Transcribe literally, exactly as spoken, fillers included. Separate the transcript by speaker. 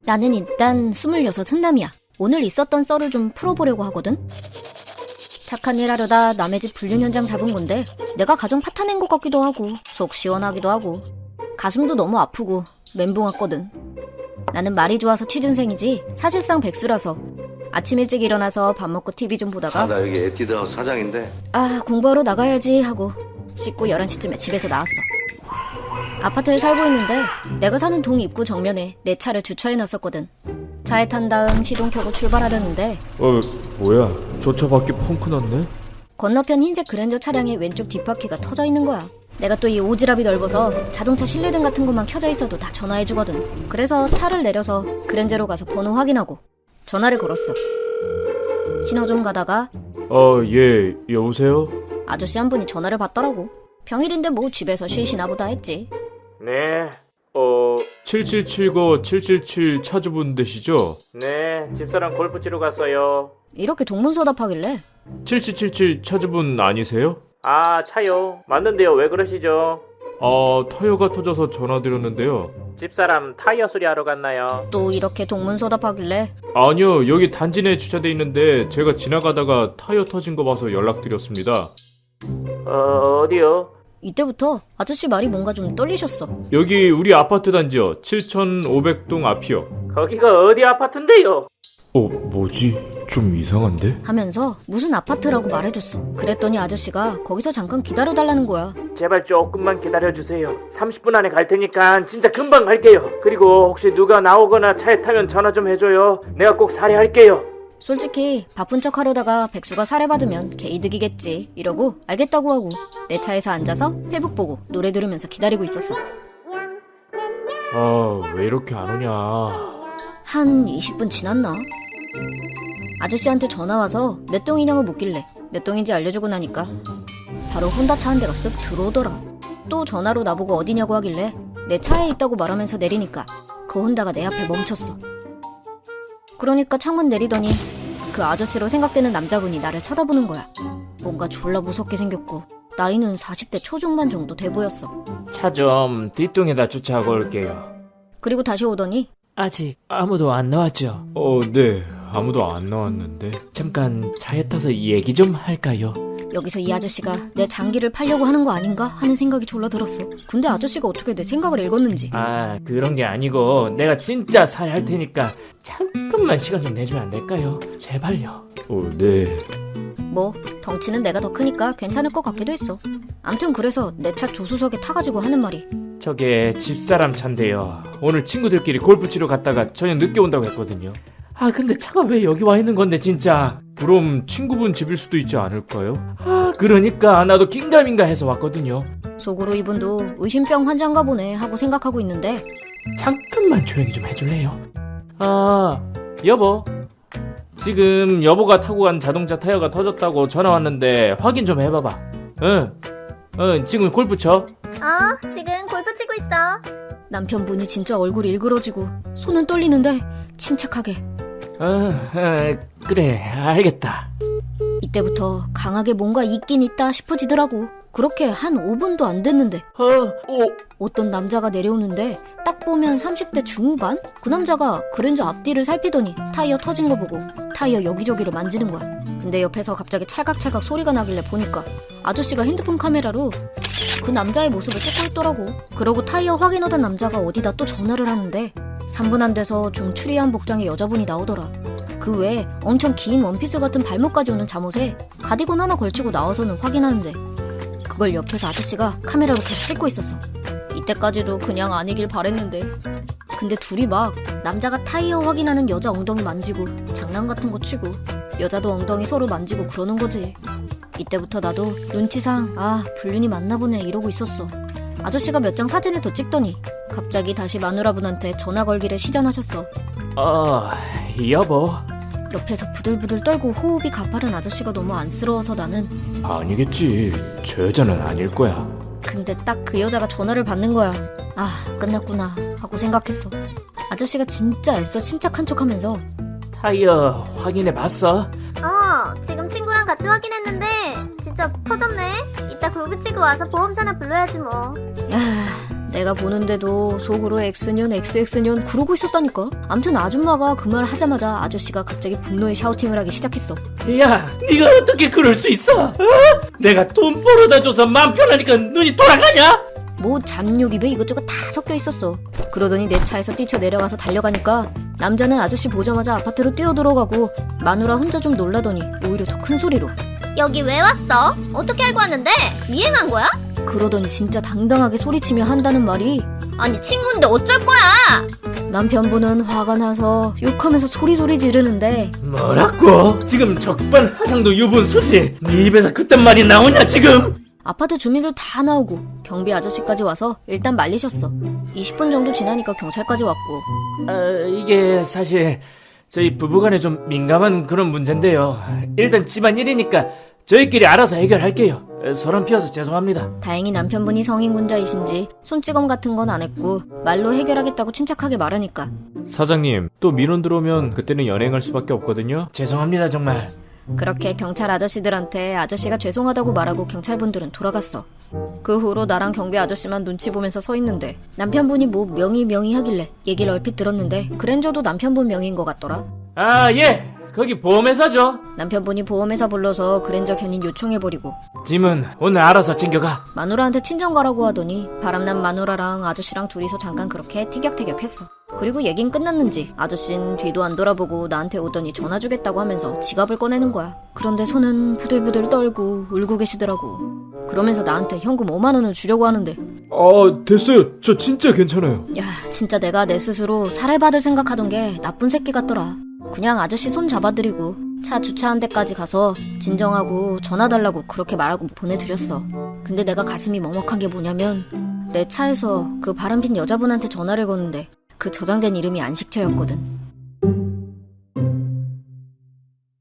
Speaker 1: 나는 일단 스물여섯 흔남이야. 오늘 있었던 썰을 좀 풀어보려고 하거든. 착한 일 하려다 남의 집 불륜 현장 잡은 건데 내가 가정 파탄낸 것 같기도 하고 속 시원하기도 하고 가슴도 너무 아프고 멘붕 왔거든. 나는 말이 좋아서 취준생이지 사실상 백수라서 아침 일찍 일어나서 밥 먹고 티비 좀 보다가
Speaker 2: 아, 나 여기 에뛰드하우스 사장인데.
Speaker 1: 아 공부하러 나가야지 하고 씻고 열한 시쯤에 집에서 나왔어. 아파트에 살고 있는데 내가 사는 동 입구 정면에 내 차를 주차해놨었거든. 차에 탄 다음 시동 켜고 출발하려는데
Speaker 3: 어, 뭐야? 저 차 밖에 펑크 났네?
Speaker 1: 건너편 흰색 그랜저 차량의 왼쪽 뒷바퀴가 터져 있는 거야. 내가 또 이 오지랖이 넓어서 자동차 실내등 같은 것만 켜져 있어도 다 전화해주거든. 그래서 차를 내려서 그랜저로 가서 번호 확인하고 전화를 걸었어. 신호 좀 가다가
Speaker 3: 어, 예, 여보세요?
Speaker 1: 아저씨 한 분이 전화를 받더라고. 평일인데 뭐 집에서 쉬시나 보다 했지.
Speaker 3: 네, 어, 칠칠칠구 칠칠칠 차주분 되시죠? 네, 집사람 골프 치러 갔어요.
Speaker 1: 이렇게 동문서답하길래
Speaker 3: 칠칠칠칠 차주분 아니세요? 아, 차요. 맞는데요, 왜 그러시죠? 아, 타이어가 터져서 전화드렸는데요. 집사람 타이어 수리하러 갔나요?
Speaker 1: 또 이렇게 동문서답하길래
Speaker 3: 아니요, 여기 단지 내에 주차돼 있는데 제가 지나가다가 타이어 터진 거 봐서 연락드렸습니다. 어, 어디요?
Speaker 1: 이때부터 아저씨 말이 뭔가 좀 떨리셨어.
Speaker 3: 여기 우리 아파트 단지요. 칠천오백 동 앞이요. 거기가 어디 아파트인데요? 어, 뭐지? 좀 이상한데?
Speaker 1: 하면서 무슨 아파트라고 말해줬어. 그랬더니 아저씨가 거기서 잠깐 기다려달라는 거야.
Speaker 4: 제발 조금만 기다려주세요. 삼십 분 안에 갈 테니까 진짜 금방 갈게요. 그리고 혹시 누가 나오거나 차에 타면 전화 좀 해줘요. 내가 꼭 살해할게요.
Speaker 1: 솔직히 바쁜 척 하려다가 백수가 살해받으면 개이득이겠지 이러고 알겠다고 하고 내 차에서 앉아서 페북 보고 노래 들으면서 기다리고 있었어.
Speaker 3: 아, 왜 이렇게 안 오냐?
Speaker 1: 한 이십 분 지났나? 아저씨한테 전화와서 몇 동이냐고 묻길래 몇 동인지 알려주고 나니까 바로 혼다차 한 대가 쓱 들어오더라. 또 전화로 나보고 어디냐고 하길래 내 차에 있다고 말하면서 내리니까 그 혼다가 내 앞에 멈췄어. 그러니까 창문 내리더니 그 아저씨로 생각되는 남자분이 나를 쳐다보는 거야. 뭔가 졸라 무섭게 생겼고 나이는 사십 대 초중반 정도 돼 보였어.
Speaker 4: 차 좀 뒷동에다 주차하고 올게요.
Speaker 1: 그리고 다시 오더니
Speaker 4: 아직 아무도 안 나왔죠?
Speaker 3: 어, 네. 아무도 안 나왔는데.
Speaker 4: 잠깐 차에 타서 얘기 좀 할까요?
Speaker 1: 여기서 이 아저씨가 내 장기를 팔려고 하는 거 아닌가 하는 생각이 졸라 들었어. 근데 아저씨가 어떻게 내 생각을 읽었는지.
Speaker 4: 아, 그런 게 아니고 내가 진짜 살해할 테니까 잠깐만 시간 좀 내주면 안 될까요? 제발요.
Speaker 3: 어, 네.
Speaker 1: 뭐 덩치는 내가 더 크니까 괜찮을 것 같기도 했어. 암튼 그래서 내 차 조수석에 타가지고 하는 말이
Speaker 4: 저게 집사람 차인데요. 오늘 친구들끼리 골프 치러 갔다가 저녁 늦게 온다고 했거든요. 아, 근데 차가 왜 여기 와 있는 건데 진짜.
Speaker 3: 그럼 친구분 집일 수도 있지 않을까요?
Speaker 4: 아, 그러니까 나도 긴가민가 해서 왔거든요.
Speaker 1: 속으로 이분도 의심병 환자인가 보네 하고 생각하고 있는데
Speaker 4: 잠깐만 조용히 좀 해줄래요? 아, 여보. 지금 여보가 타고 간 자동차 타이어가 터졌다고 전화 왔는데 확인 좀 해봐봐. 응, 응, 지금 골프 쳐?
Speaker 5: 어, 지금 골프 치고 있어.
Speaker 1: 남편분이 진짜 얼굴이 일그러지고 손은 떨리는데 침착하게
Speaker 4: 어, 어, 그래, 알겠다.
Speaker 1: 이때부터 강하게 뭔가 있긴 있다 싶어지더라고. 그렇게 한 오 분도 안 됐는데
Speaker 4: 어, 어,
Speaker 1: 어떤 남자가 내려오는데 딱 보면 삼십 대 중후반? 그 남자가 그랜저 앞뒤를 살피더니 타이어 터진 거 보고 타이어 여기저기를 만지는 거야. 근데 옆에서 갑자기 찰각찰각 소리가 나길래 보니까 아저씨가 핸드폰 카메라로 그 남자의 모습을 찍고 있더라고. 그러고 타이어 확인하던 남자가 어디다 또 전화를 하는데 삼 분 안 돼서 좀 추리한 복장의 여자분이 나오더라. 그 외에 엄청 긴 원피스 같은 발목까지 오는 잠옷에 가디건 하나 걸치고 나와서는 확인하는데 그걸 옆에서 아저씨가 카메라로 계속 찍고 있었어. 이때까지도 그냥 아니길 바랬는데 근데 둘이 막 남자가 타이어 확인하는 여자 엉덩이 만지고 장난 같은 거 치고 여자도 엉덩이 서로 만지고 그러는 거지. 이때부터 나도 눈치상 아 불륜이 맞나 보네 이러고 있었어. 아저씨가 몇 장 사진을 더 찍더니 갑자기 다시 마누라분한테 전화 걸기를 시전하셨어.
Speaker 4: 어, 여보.
Speaker 1: 옆에서 부들부들 떨고 호흡이 가파른 아저씨가 너무 안쓰러워서 나는
Speaker 3: 아니겠지. 저 여자는 아닐 거야.
Speaker 1: 근데 딱 그 여자가 전화를 받는 거야. 아 끝났구나 하고 생각했어. 아저씨가 진짜 애써 침착한 척하면서
Speaker 4: 타이어 확인해봤어?
Speaker 5: 어, 지금 친구랑 같이 확인했는데 진짜 터졌네. 이따 골프 치고 와서 보험사나 불러야지 뭐.
Speaker 1: 야 내가 보는데도 속으로 X년 엑스엑스년 그러고 있었다니까. 암튼 아줌마가 그 말 하자마자 아저씨가 갑자기 분노의 샤우팅을 하기 시작했어.
Speaker 4: 야, 네가 어떻게 그럴 수 있어? 어? 내가 돈 벌어다 줘서 마음 편하니까 눈이 돌아가냐?
Speaker 1: 뭐 잡욕 입에 이것저것 다 섞여 있었어. 그러더니 내 차에서 뛰쳐 내려가서 달려가니까 남자는 아저씨 보자마자 아파트로 뛰어들어가고 마누라 혼자 좀 놀라더니 오히려 더 큰 소리로
Speaker 5: 여기 왜 왔어? 어떻게 알고 왔는데? 미행한 거야?
Speaker 1: 그러더니 진짜 당당하게 소리치며 한다는 말이
Speaker 5: 아니 친구인데 어쩔 거야?
Speaker 1: 남편분은 화가 나서 욕하면서 소리소리 지르는데
Speaker 4: 뭐라고? 지금 적반 화상도 유분수지? 네 입에서 그딴 말이 나오냐 지금?
Speaker 1: 아파트 주민들 다 나오고 경비 아저씨까지 와서 일단 말리셨어. 이십 분 정도 지나니까 경찰까지 왔고.
Speaker 4: 아, 이게 사실 저희 부부간에 좀 민감한 그런 문제인데요. 일단 집안일이니까 저희끼리 알아서 해결할게요. 소란 피워서 죄송합니다.
Speaker 1: 다행히 남편분이 성인군자이신지 손찌검 같은 건 안 했고 말로 해결하겠다고 침착하게 말하니까
Speaker 3: 사장님, 또 민원 들어오면 그때는 연행할 수밖에 없거든요.
Speaker 4: 죄송합니다 정말.
Speaker 1: 그렇게 경찰 아저씨들한테 아저씨가 죄송하다고 말하고 경찰분들은 돌아갔어. 그 후로 나랑 경비 아저씨만 눈치 보면서 서 있는데 남편분이 뭐 명의 명의 하길래 얘기를 얼핏 들었는데 그랜저도 남편분 명의인 것 같더라.
Speaker 4: 아 예, 거기 보험회사죠.
Speaker 1: 남편분이 보험회사 불러서 그랜저 견인 요청해버리고
Speaker 4: 짐은 오늘 알아서 챙겨가.
Speaker 1: 마누라한테 친정 가라고 하더니 바람난 마누라랑 아저씨랑 둘이서 잠깐 그렇게 티격태격했어. 그리고 얘긴 끝났는지 아저씨는 뒤도 안 돌아보고 나한테 오더니 전화 주겠다고 하면서 지갑을 꺼내는 거야. 그런데 손은 부들부들 떨고 울고 계시더라고. 그러면서 나한테 현금 오만 원을 주려고 하는데
Speaker 3: 아, 됐어요. 저 진짜 괜찮아요.
Speaker 1: 야, 진짜 내가 내 스스로 살해받을 생각하던 게 나쁜 새끼 같더라. 그냥 아저씨 손 잡아드리고 차 주차한 데까지 가서 진정하고 전화 달라고 그렇게 말하고 보내드렸어. 근데 내가 가슴이 먹먹한 게 뭐냐면 내 차에서 그 바람핀 여자분한테 전화를 거는데 그 저장된 이름이 안식처였거든.